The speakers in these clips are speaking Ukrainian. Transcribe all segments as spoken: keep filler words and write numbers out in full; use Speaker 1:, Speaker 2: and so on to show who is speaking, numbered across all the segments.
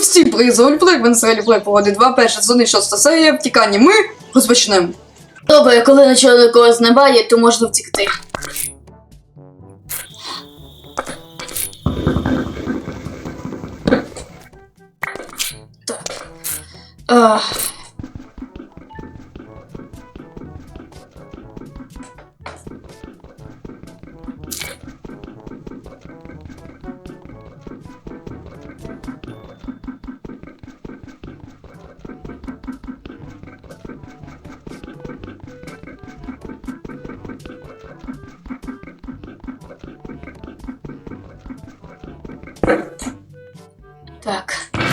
Speaker 1: всі призи Ольплей, Венселі Плей погоди два, перша сезон, шоста серія, втікання. Ми розпочнемо.
Speaker 2: Добре, коли нічого до когось немає, то можна втікти. Так. А... Так.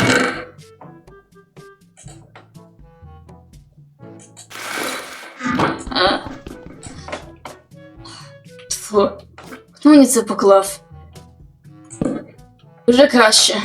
Speaker 2: А? Фу. Хто мені це поклав? Вже краще.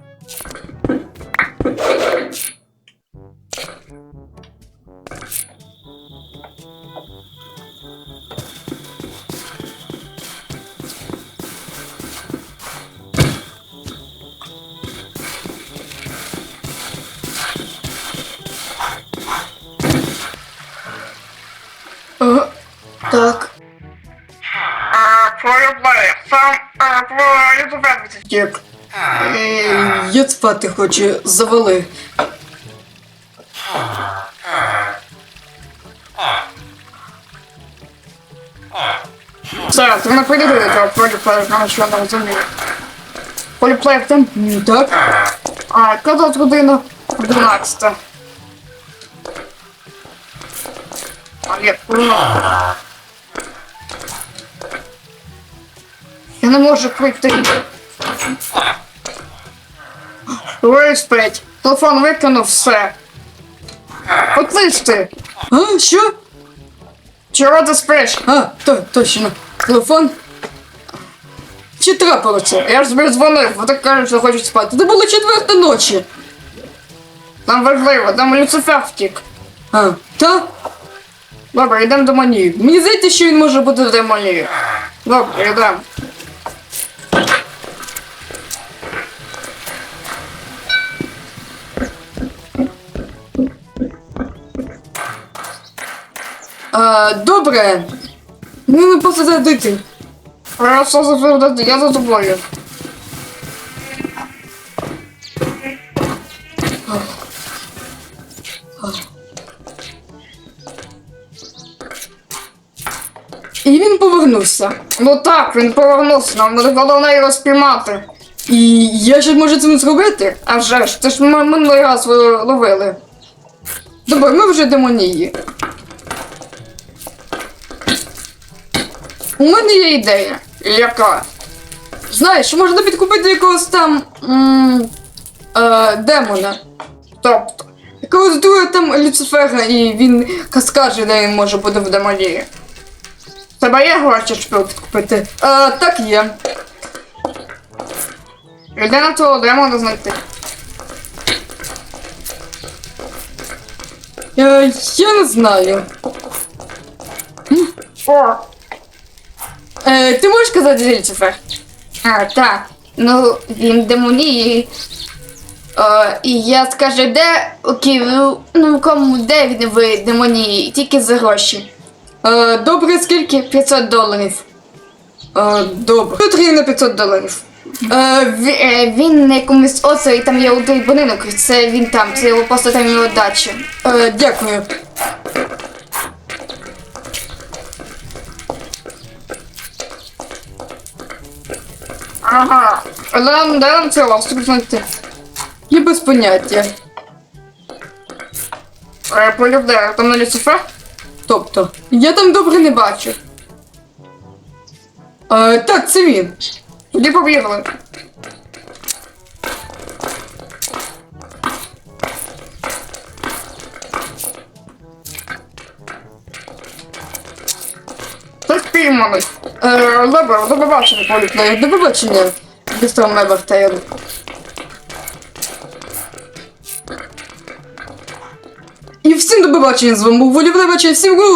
Speaker 2: Ага. Так.
Speaker 3: Полюблю, сам ютубер втік.
Speaker 1: Я спати хочу, завали.
Speaker 3: Все, ти не придивили того полюблю, на що не розумію. Полюблю там?
Speaker 1: М, Так?
Speaker 3: А, коли тут година? дванадцята. А, ні, ура. Я не можу прийти. Виспить. Телефон викинув, все. Отлиш ти.
Speaker 1: А, що?
Speaker 3: Чого ти спиш?
Speaker 1: А, то, точно. Телефон? Чи трапилося?
Speaker 3: Я ж тобі дзвонив, бо так кажуть, що хочуть спати.
Speaker 1: Це було четверта ночі.
Speaker 3: Там важливо, там Люцифер втік.
Speaker 1: А, та?
Speaker 3: Добре, йдемо до манії.
Speaker 1: Мені здається, що він може бути...
Speaker 3: До манії. Добре, йдемо.
Speaker 1: А, добре. Ну, не просто задити.
Speaker 3: Просто заповідати, я за тобою.
Speaker 1: І він повернувся.
Speaker 3: Ну так, він повернувся, нам буде головне його спіймати.
Speaker 1: І я ще можу це зробити?
Speaker 3: А вже ж, ти ж ми минулий раз ви ловили.
Speaker 1: Добре, ми вже демонії.
Speaker 3: У мене є ідея. Яка?
Speaker 1: Знаєш, можна підкупити якогось там... М е, демона.
Speaker 3: Тобто,
Speaker 1: Якогось друга там Люцифера, і він скаже, де він може бути в демонії.
Speaker 3: в тебе є гроші, щоб підкупити?
Speaker 1: Е, так є.
Speaker 3: Йди на того демона знайти.
Speaker 1: Е, я не знаю.
Speaker 3: О!
Speaker 1: Е, ти можеш казати Люцифер?
Speaker 2: А, так. Ну, він демонії. Е, і я скажу, де, окей, ну, ну кому, де він в демонії, тільки за гроші.
Speaker 1: Е, добре, скільки?
Speaker 2: п'ятсот доларів.
Speaker 1: Е, добре. Потрібно п'ятсот доларів.
Speaker 2: Е, він, е, він на якомусь острові, там є один будинок, це він там, це його просто там його дача.
Speaker 1: Е, дякую.
Speaker 3: Ага. Де нам, де нам цього острів знайти?
Speaker 1: Я без поняття.
Speaker 3: Е, полюбляю, там на Люцифер?
Speaker 1: Тобто, я там добре не бачу. Е, так, це він.
Speaker 3: Тоді побігли. Ти спійманий. Е, добре, до побачення, полюбляю.
Speaker 1: До побачення, містер Мебертейл. І всім до побачення, з вами був Волів Левача, всім гу!